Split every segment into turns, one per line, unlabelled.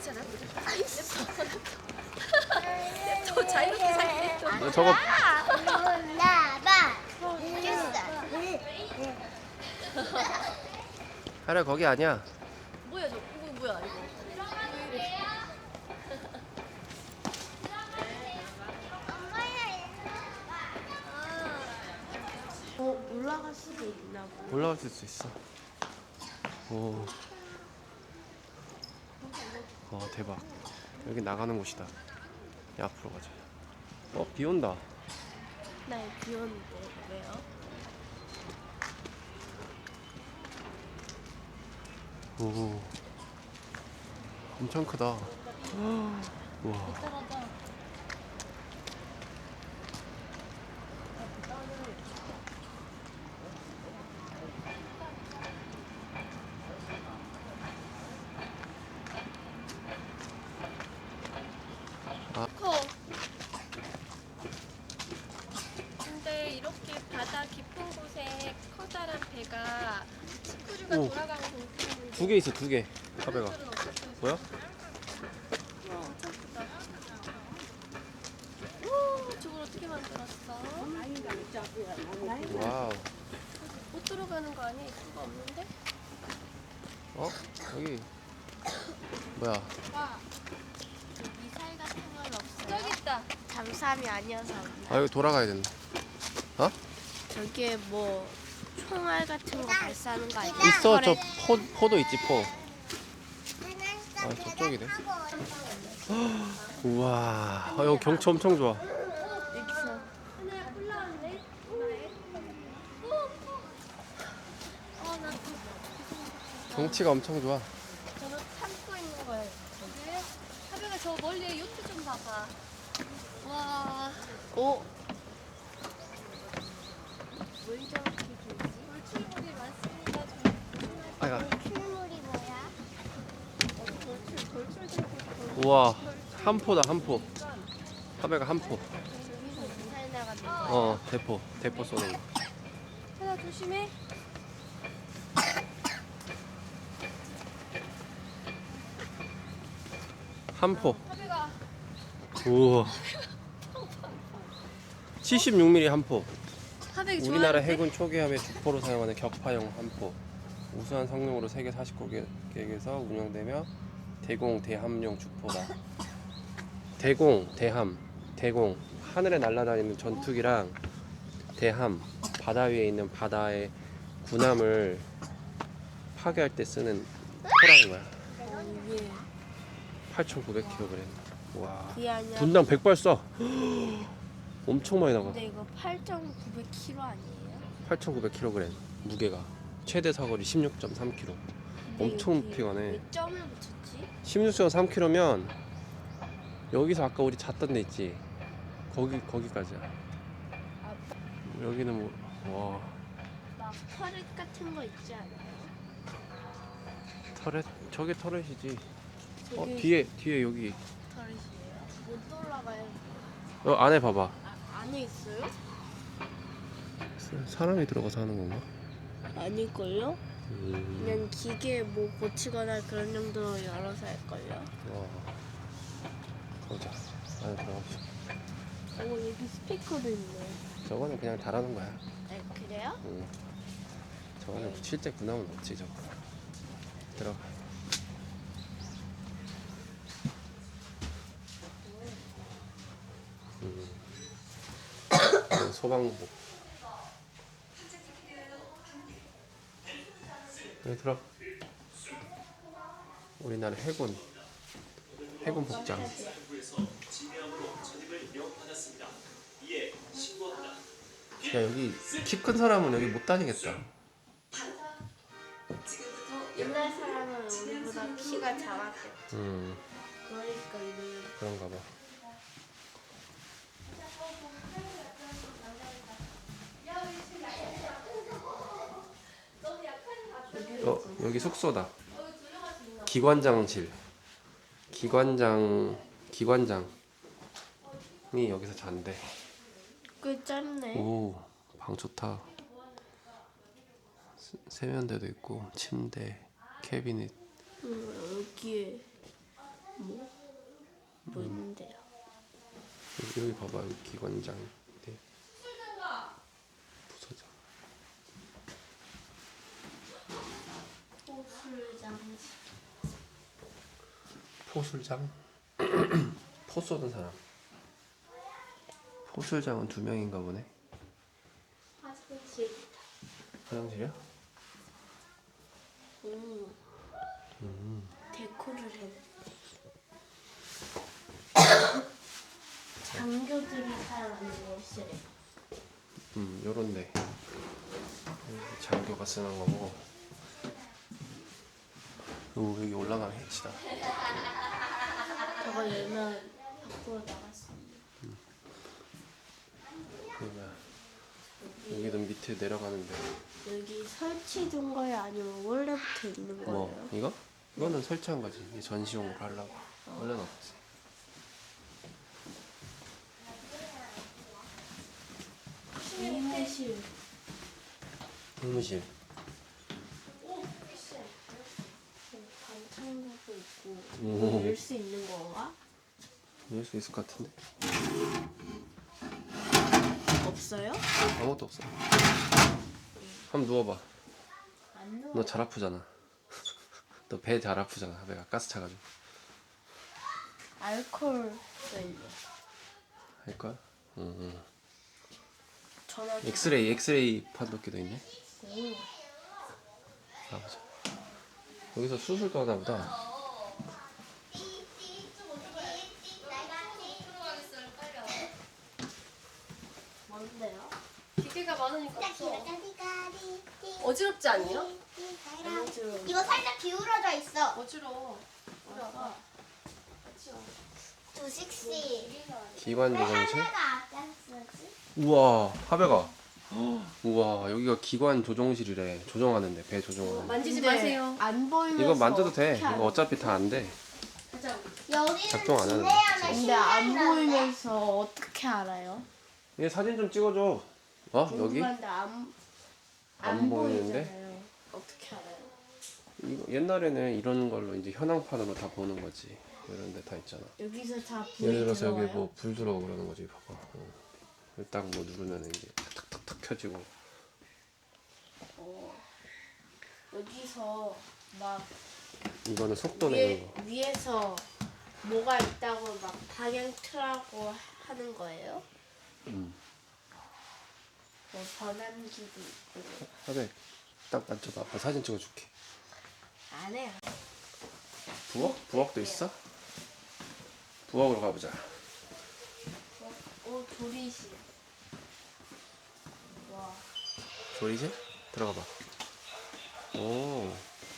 있잖아. 또 자유롭게 살게 또.
저거
나봐.
하라 거기 아니야.
뭐야 저 이거 뭐야 이거.
올라갈 수도 있나 봐.
올라갈 수 있어. 오. 대박. 여기 나가는 곳이다. 야, 앞으로 가자. 비 온다.
나 비 오는데 왜요?
오. 엄청 크다. 와.
커. 근데 이렇게 바다 깊은 곳에 커다란 배가 스크류가
오.
돌아가는 공간인데
두 개 있어, 두 개. 카베가.
사람들은 없었어요.
뭐야?
엄청 크다. 오, 저걸 어떻게 만들었어?
와우.
못 들어가는 거 아니야? 입구가 없는데?
여기. 뭐야?
미사일 같은 건 없어요.
저기 있다.
잠수함이 아니어서
여기 돌아가야 된다.
저기에 뭐 총알 같은 거 발사하는 거 아니야?
있어, 저 포도 있지, 포. 저쪽이네. 우와. 여기 경치 엄청 좋아.
여기서
하나야 올라왔네. 나
경치가 엄청 좋아.
저는 참고 있는 거예요. 그래? 하루가 저 멀리에 요트 좀 봐봐. 와.
오. 물 저렇게 길지?
돌출물이 많습니다.
아이가.
출물이 뭐야?
돌출되고
우와. 한 포다, 한 포. 카베가 한 포.
저기서 미사일 나가는 거.
대포 쏘는 거.
하나 조심해.
한 포.
하루가
우와. 76mm 한 포.
하백이
우리나라 해군 초기함의 주포로 사용하는 격파형 한 포. 우수한 성능으로 세계 49개국에서 운영되며 대공 대함용 주포다. 대공 하늘에 날아다니는 전투기랑 대함 바다 위에 있는 바다의 군함을 파괴할 때 쓰는 포라는 거야.
이게
8,900kg. 와.
그게 아니야.
분당 100발 쏴. 엄청 많이 나가.
근데 이거 8,900kg 아니에요?
8,900kg 무게가. 최대 사거리 16.3km. 엄청 높이 가네.
왜 점을 붙였지?
16.3km면 여기서 아까 우리 잤던 데 있지? 거기까지야. 여기는 와.
막 터렛 같은 거 있지 않아요?
터렛? 저게 터렛이지.
저기
뒤에 여기.
터렛이에요? 못 올라가요.
안에 봐봐.
안에 있어요?
사람이 들어가서 하는 건가?
아닐걸요? 그냥 기계 뭐 고치거나 그런 정도로 열어서 할걸요?
와. 가보자. 안에 들어가보자.
여기 스피커도 있네.
저거는 그냥 달아놓은 거야.
네, 그래요?
저거는 실제 군함은 없지 저거. 들어가. 소방복. 여기 들어. 우리나라 해군 복장. 야, 여기 키 큰 사람은 여기 못 다니겠다.
옛날 사람은 우리보다 키가 작았겠지. 그러니까 이거
그런가 봐. 여기 숙소다. 기관장실. 기관장이 여기서 잔대.
꽤 짧네.
오, 방 좋다. 세면대도 있고 침대, 캐비닛.
여기에 뭐 있는데요?
여기 봐봐, 여기 기관장. 네. 부서장. 포술장. 포 쏘는 사람. 포술장은 2명인가 보네.
화장실.
화장실이야?
데코를 해. 장교들이 사용하는 옷이래.
요런데. 장교가 쓰는 거고. 오, 여기 올라가는 해치다.
저거 열면 밖으로 나갔어.
그러면 여기도 밑에 내려가는데.
여기 설치된 거예요? 아니면 원래부터 있는 거예요?
뭐 이거? 이거는 설치한 거지. 이게 전시용으로 하려고. 원래는 없지.
이무실.
의무실.
반창고도 있고.
오.
열 수 있는 건가?
이럴 수 있을 것 같은데.
없어요?
아무것도 없어. 한번 누워봐.
안 넣어.
너 잘 아프잖아. 너 배 잘 아프잖아. 배가 가스 차가지고.
알코올 셀.
할 거야? 응.
전화기.
엑스레이 판독기도 있네.
오.
가보자. 여기서 수술도 하나 보다.
뭔데요?
기계가 많으니까 없어. 어지럽지 않냐?
이거 살짝 기울어져 있어.
어지러워.
아까
조식씨.
기관 조정실.
하나가 앞장 쓰지?
우와, 하배가. 우와, 여기가 기관 조종실이래. 조정하는데, 배 조정하는.
만지지
근데
마세요.
안 보이면서
이거 만져도 돼.
어떻게
이거
알아?
어차피 다 안 돼.
여기는
작동 안 하는데.
기내야만
근데 안
실내는
보이면서 어떻게 알아요?
얘 사진 좀 찍어줘. 어? 여기?
궁금한데
안
안
보이는데?
보이잖아요. 어떻게 알아요?
이거 옛날에는 이런 걸로 이제 현황판으로 다 보는 거지. 이런 데 다 있잖아.
여기서 다 불이
예를 들어서
들어와요?
여기 뭐 불 들어오고 그러는 거지. 봐봐. 딱 뭐 누르면 이제 탁탁탁탁 켜지고.
여기서 막
이거는 속도 내는 거.
위에서 뭐가 있다고 막 방향 틀라고 하는 거예요? 뭐 전환기도 있고.
하배, 딱 만져봐. 아빠 사진 찍어줄게.
안 해요.
부엌? 부엌도 있어? 부엌으로 가보자.
오, 조리실. 와.
조리실? 들어가 봐. 오.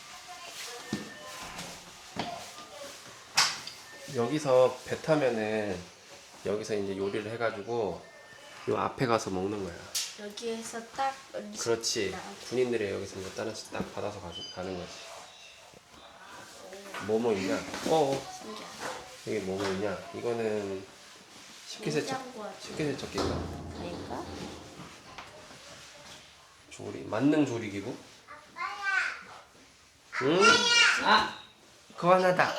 여기서 배 타면은 여기서 이제 요리를 해가지고 요 앞에 가서 먹는 거야.
여기에서 딱 음식
그렇지.
나오고.
군인들이 여기서 이제 하나씩 딱 받아서 가는 거지. 뭐뭐 있냐?
신기하다.
이게 뭐뭐 있냐? 이거는
냉장고야.
식기세척기인가?
아닌가?
만능 조리기구? 응? 아! 그거 하나다.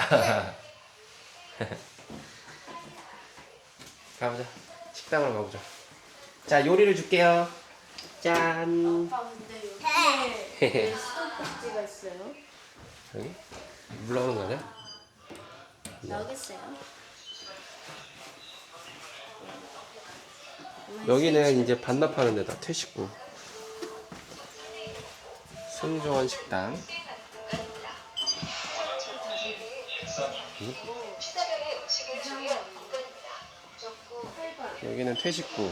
가보자. 식당으로 가보자. 자, 요리를 줄게요. 짠.
아빠 근데 여기에 왜 수도꼭지가 있어요?
여기? 물 나오는 거 아니야?
여기 있어요.
여기는 이제 반납하는 데다. 퇴식구. 승조원 식당. 여기는 퇴식구.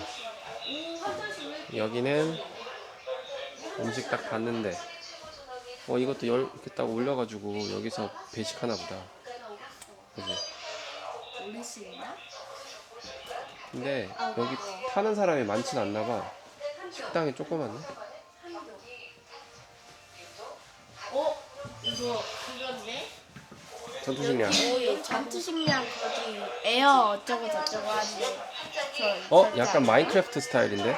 여기는 음식 딱 봤는데 이것도 이렇게 딱 올려가지고 여기서 배식하나 보다. 그지?
올릴 수 있나?
근데 여기 타는 사람이 많진 않나 봐. 식당이 조그맣네.
이거 그건데?
전투식량.
오, 전투식량 거기 에어 어쩌고 저쩌고 하는데 저
약간 마인크래프트 스타일인데?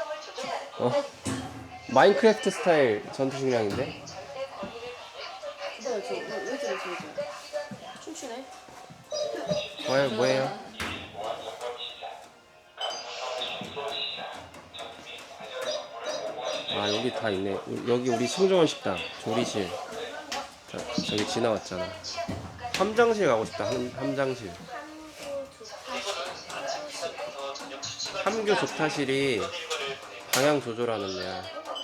마인크래프트 스타일 전투식량인데?
춤추네.
뭐예요? 아 여기 다 있네. 여기 우리 승조원 식당 조리실. 저기 지나왔잖아. 함장실 가고 싶다. 함장실. 함교 조타실이 방향 조절하는 데야.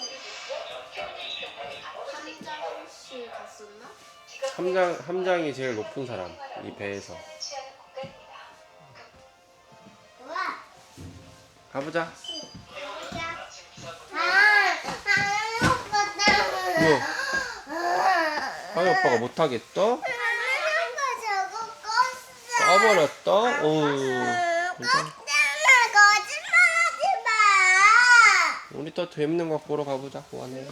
함장실 갔었나?
함장이 제일 높은 사람 이 배에서.
우와.
가보자.
오빠
하이 오빠가 못하겠어? 까버렸다? 우리 또 재밌는 거 보러 가보자. 뭐하네.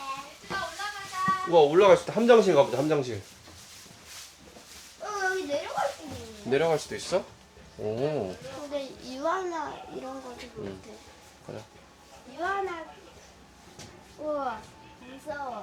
우와 올라갈 수 있다. 함장실 가보자. 함장실.
여기 내려갈 수 있네.
내려갈 수도 있어? 오.
근데 이완나 이런 거도 못해.
가자.
유한아. 우와 무서워.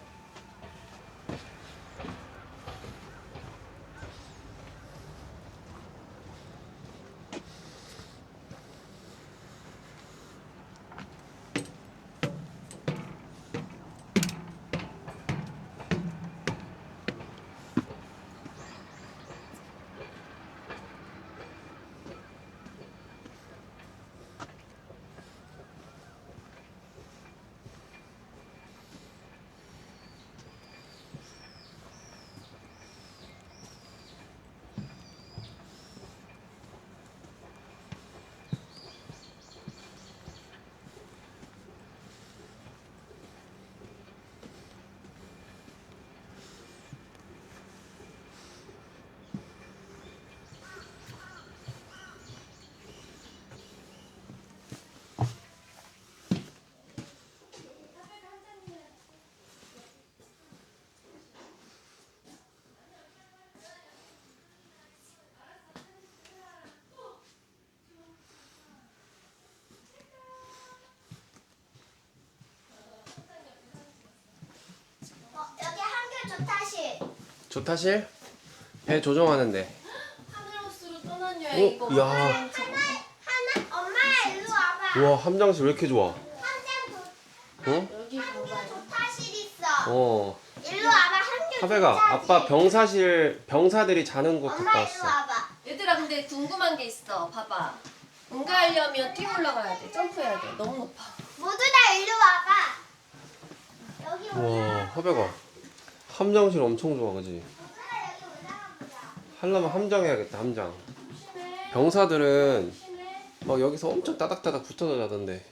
여기 한글 조타실.
조타실? 배 조종하는데.
하늘호수로 떠난 여행
오,
이거
야.
하나 엄마야 일로 와봐.
우와 함장실 왜 이렇게 좋아?
한장
어?
여기 봐봐요.
조타실 있어.
어.
일로 와봐 한글
하배가
조타실.
아빠 병사들이 자는 곳
엄마
갔다
일로
왔어.
와봐.
얘들아 근데 궁금한 게 있어. 봐봐. 응가하려면 뛰어 올라가야 돼. 점프해야 돼. 너무 높아.
모두 다 일로 와봐. 여기
우와
올라가.
하배가 함장실 엄청 좋아 그지?
여기 올라가 보자.
하려면 함장해야겠다 함장. 병사들은 막 여기서 엄청 따닥따닥 붙어서 자던데.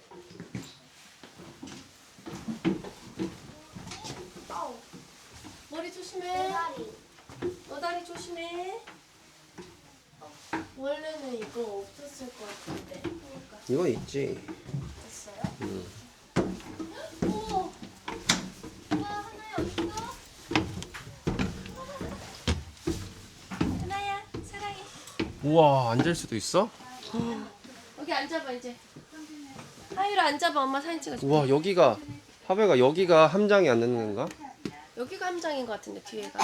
머리 조심해.
대가리.
너 다리 조심해. 원래는 이거 없었을 것 같은데. 그러니까
이건 있지.
됐어요?
오. 와 하나야 어딨어? 하나야 사랑해.
우와 앉을 수도 있어?
여기 앉아봐 이제. 하유라 앉아봐. 엄마 사진 찍어줄게.
우와 여기가 하배가 여기가 함장이 앉는 건가?
여기가 함장인 것 같은데 뒤에가.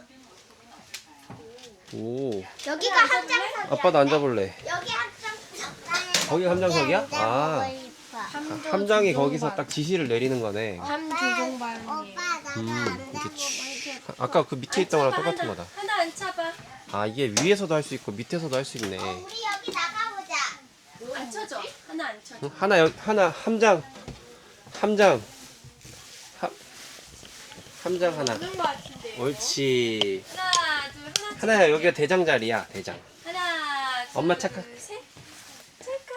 오
여기가 한장석이야.
아빠도 앉아볼래.
여기 한장석.
거기가 함장석이야? 아 함장이 거기서
조종반.
딱 지시를 내리는 거네.
함조종반이에요.
오빠 나도
이렇게 아까 그 밑에 있던 거랑 똑같은 거다.
하나 앉혀봐.
아 이게 위에서도 할 수 있고 밑에서도 할 수 있네.
우리 여기 나가보자.
앉혀줘. 하나 앉혀줘.
하나 함장 함장 하나.
없는 것 같은데.
옳지.
하나 둘 하나.
하나야 여기가 대장 자리야 대장.
하나 둘
엄마 착각.
셋. 착각.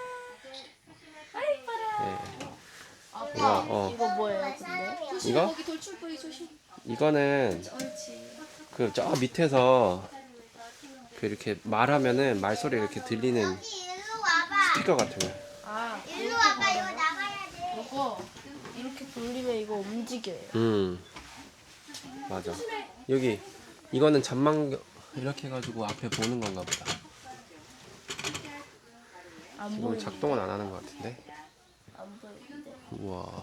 아이 이뻐라.
네. 이거
이거 뭐예요 근데? 조심
이거?
거기 돌출부리 조심.
이거는
옳지.
그 저 밑에서 그 이렇게 말하면은 말소리 이렇게 들리는
여기 일로 와봐.
스피커 같은 거.
아
일로 와봐. 이거 나가야 돼.
이거 이렇게 돌리면 이거 움직여요.
맞아. 여기 이거는 잠만 이렇게 해가지고 앞에 보는 건가 보다.
안
지금
보이는데.
작동은 안 하는 것 같은데.
안 보이는데.
우와.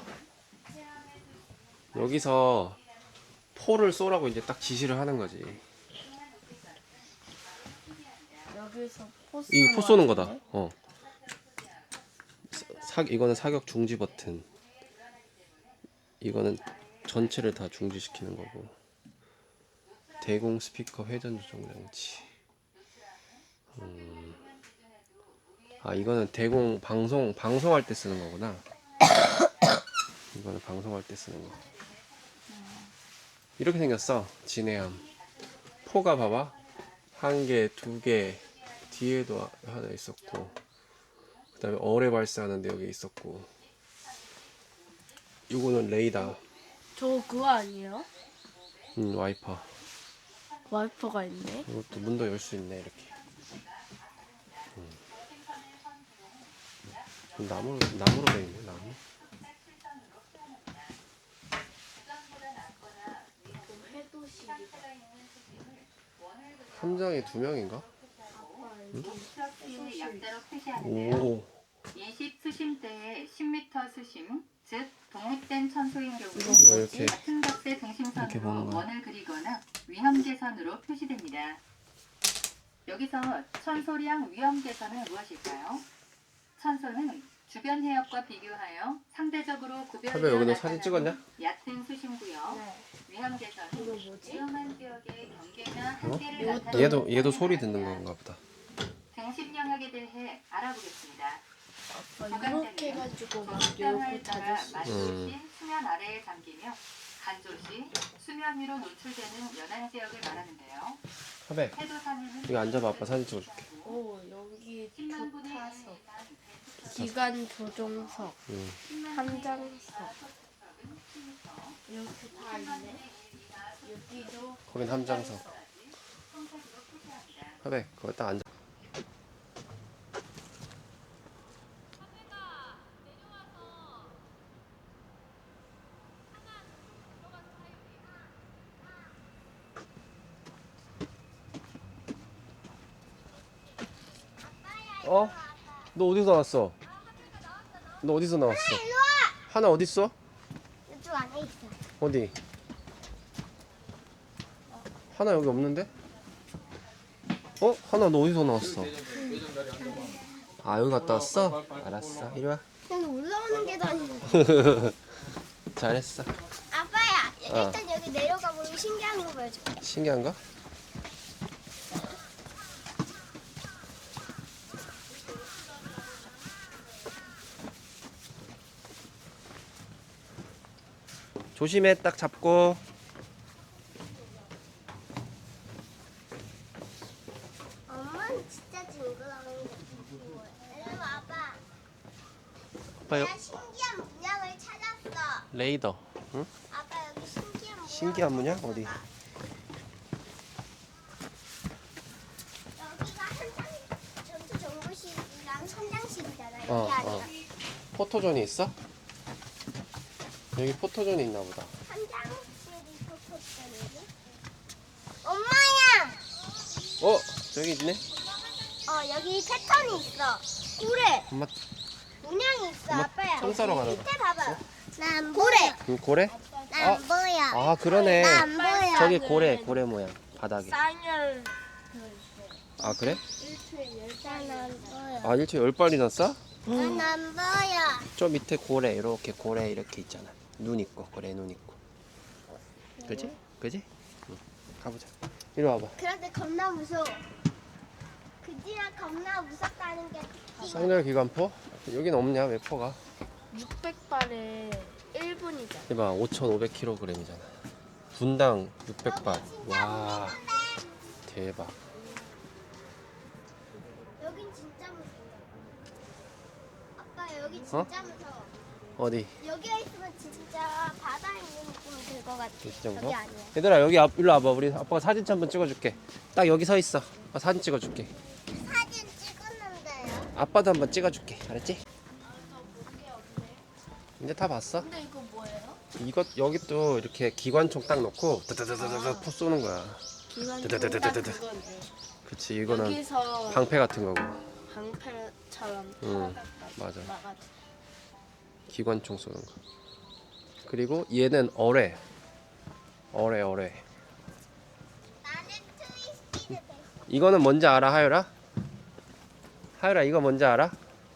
여기서 포를 쏘라고 이제 딱 지시를 하는 거지.
여기서 포
이 포 쏘는 거다. 이거는 사격 중지 버튼. 이거는 전체를 다 중지시키는 거고. 대공 스피커 회전 조정 장치. 이거는 대공 방송할 때 쓰는 거구나. 이거는 방송할 때 쓰는 거. 이렇게 생겼어. 진해함. 포가 봐봐. 1개, 2개, 뒤에도 하나 있었고, 그 다음에 어뢰 발사하는데 여기 있었고, 이거는 레이더.
저거 그거 아니에요?
와이퍼.
와이퍼가 있네.
이것도 문도 열 수 있네 이렇게. 나무로 돼 있네. 나무. 함장이 2명인가?
약자로 표시합니다.
오.
20수심대의 10m 수심, 즉 독립된 천소인 경우
이거 이렇게
같은 값의
이렇게 보는
등심선으로
거야.
원을 그리거나 위험계선으로 표시됩니다. 여기서 천소량 위험계선은 무엇일까요? 천소는 주변 해역과 비교하여 상대적으로
하배 여기는
구별되어
사진 찍었냐?
나타나는 얕은 수심구역.
네.
위험계선은
이거 뭐지?
위험한 지역의 경계나 한계를 나타내는
얘도 소리 듣는 건가 보다.
등심 영역에 대해 알아보겠습니다.
이렇게 해가지고 막
적당을
이렇게
따라
찾을 수 있어.
마주친 수면 아래에 잠기며 간조시 수면 위로 노출되는 연안 지역을 말하는데요.
하배
해도산에는
이거 앉아봐. 아빠 사진 찍어줄게.
오, 여기
10만 분의
조타석, 기관 조종석, 함장석 이렇게 다 있네. 여기도
거긴 함장석. 하배 거기 딱 앉아. 너 어디서 나왔어? 너 어디서 나왔어? 하나 어디 있어?
이쪽 안에 있어.
어디? 하나 여기 없는데? 하나 너 어디서 나왔어? 여기 갔다 왔어? 알았어. 이리 와.
여기 올라오는 계단이네.
잘했어.
아빠야,
어.
일단 여기 내려가 보면 신기한 거 보여줄게.
신기한 거? 조심해. 딱 잡고.
엄마는 진짜 징그러운 거. 이리 와봐.
아빠
내가 신기한 문양을 찾았어.
레이더. 응?
아빠 여기 신기한 문양.
신기한 문양? 어디?
여기가 한장 전투 정보실이랑 선장실이잖아. 여기
어,
아니라
포토존이 있어? 여기 포토존이 있나 보다.
선장실이 포토존이지. 엄마야.
저기 있네.
여기 패턴이 있어. 고래
엄마
문양이 있어.
엄마
아빠야.
똥 싸러 가나 봐.
밑에 봐봐. 나 안 고래.
고래?
나 안 보여.
그러네.
나 안 보여.
저기 고래 모양 바닥에.
쌍열
그래?
일주일에
난안 보여.
일주일에 10발이나 싸?
난 안 보여.
저 밑에 고래 이렇게 있잖아. 눈 있고 고래 눈 있고. 그지? 응. 가보자. 이리 와봐.
그런데 겁나 무서워. 그지랑 겁나 무섭다는 게
쌍열 기관포? 여긴 없냐? 왜 포가?
600발에 1분이잖아.
이봐 5,500kg이잖아. 분당 600발. 와 대박.
여긴 진짜 무서워. 아빠 여기 진짜 무서워.
어디?
여기에 있으면 진짜 바다에 있는 느낌이 들 것 같아.
이 정도?
여기 아니야.
얘들아 여기 일로 와봐. 우리 아빠가 사진 한번 찍어줄게. 딱 여기 서 있어. 아빠 사진 찍어줄게.
사진 찍었는데요.
아빠도 한번 찍어줄게. 알았지? 이제 다 봤어?
근데 이거 뭐예요?
이것 여기 또 이렇게 기관총 딱 넣고 드드드드드 포 쏘는 거야.
기관
드드드드드드.
딱 그거네.
그치 이거는
여기서
방패 같은 거고.
방패처럼
응, 맞아.
막아.
기관총 쏘는 거. 그리고 얘는 어뢰.
나는 트위스티드 돼.
이거는 뭔지 알아 하율아? 하율아 이거 뭔지 알아?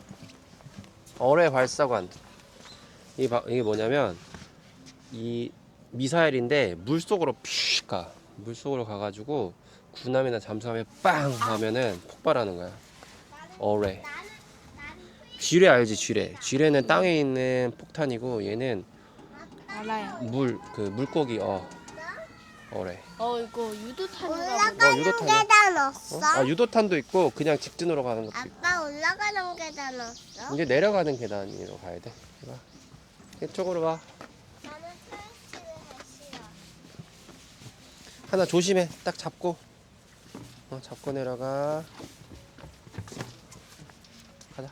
어뢰 발사관. 이게 뭐냐면 이 미사일인데 물속으로 픽 가. 물속으로 가가지고 군함이나 잠수함에 빵 하면은 폭발하는 거야. 어뢰. 쥐레 알지? 쥐레는 땅에 있는 폭탄이고 얘는
알아요.
물고기 어뢰.
이거 유도탄인가 보다.
올라가는
유도탄이야.
계단 없어?
아 유도탄도 있고 그냥 직진으로 가는 것도 있고.
아빠 올라가는 계단 없어?
이제 내려가는 계단으로 가야 돼. 봐. 이쪽으로 와.
나는 트랜스를 싫어.
하나 조심해. 딱 잡고. 잡고 내려가. 가자.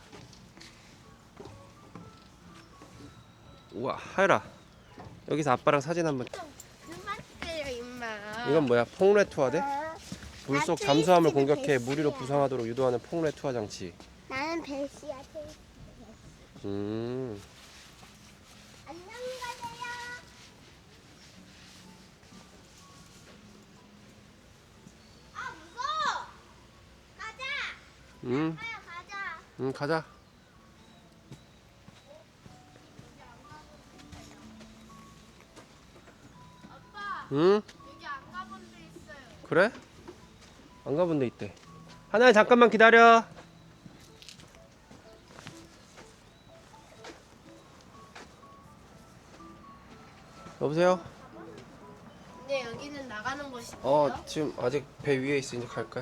우와, 하율아. 여기서 아빠랑 사진 한번.
그만 때려 임마.
이건 뭐야? 폭뢰 투하대? 물속
아,
잠수함을
트위스트는
공격해 무리로
베스야.
부상하도록 유도하는 폭뢰 투하 장치.
나는 벨시야. 벨시.
음.
안녕히 가세요. 아 무서워. 가자.
음.
가자.
가자.
아빠
응?
여기 안 가본 데 있어요.
그래? 안 가본 데 있대. 하나야 잠깐만 기다려. 여보세요?
근데 여기는 나가는 곳이에요?
지금 아직 배 위에 있어. 이제 갈 거야.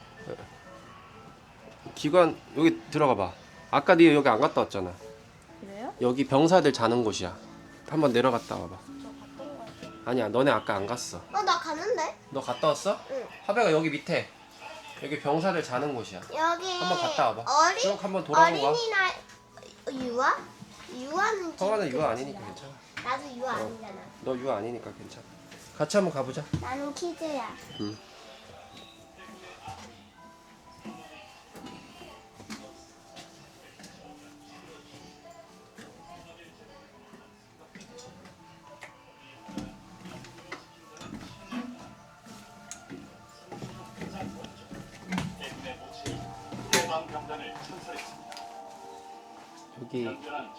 기관 여기 들어가 봐. 아까 네 여기 안 갔다 왔잖아.
그래요?
여기 병사들 자는 곳이야. 한번 내려갔다 와봐. 아니야, 너네 아까 안 갔어.
나 가는데?
너 갔다 왔어?
응.
하배가 여기 밑에. 여기 병사들 자는 곳이야.
여기
한번 갔다 와봐.
어린
쭉 한번 돌아보고 와.
어린이날 유아? 유아는
성화는 유아 아니니까 괜찮아.
나도 유아 아니잖아.
너 유아 아니니까 괜찮아. 같이 한번 가보자.
나는 키즈야.
응. 여기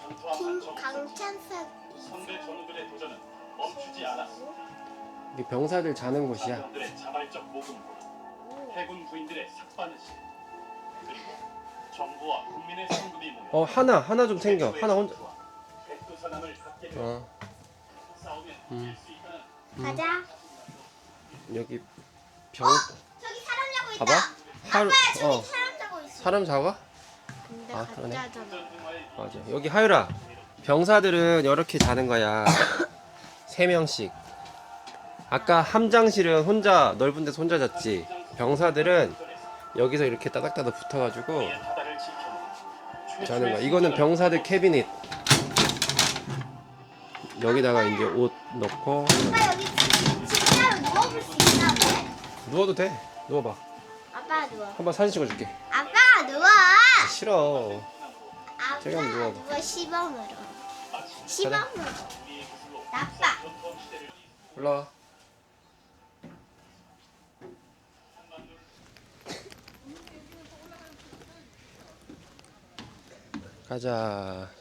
강찬석
선대 전우들의 도전은 멈추지 않았습니다.
여기 병사들 자는 곳이야.
사병들의 자발적 모금으로 해군 부인들의 삭바느질 그리고 정부와 국민의 성금이 모여
하나 좀 챙겨. 하나 혼자.
백두산함을 갖게 되어 싸우면 이길 수 있다는
가자.
여기 병
저기 사람 자고 있다.
봐봐. 하루
저기 사람 자고 있어.
사람 잡아?
근데
그러네.
가짜잖아.
맞아. 여기 하율아. 병사들은 이렇게 자는 거야. 3명씩. 아까 함장실은 혼자 넓은 데서 혼자 잤지. 병사들은 여기서 이렇게 따닥따닥 붙어가지고
바다를 지켜
자는 거야. 이거는 병사들 캐비닛. 여기다가 이제 옷 넣고
아빠 여기 진짜로 누워볼 수 있나 봐.
누워도 돼. 누워봐.
아빠 누워.
한번 사진 찍어줄게.
아빠 누워.
싫어.
아빠
제가 누워.
누워 시범으로. 시범으로. 나빠.
올라와. 가자.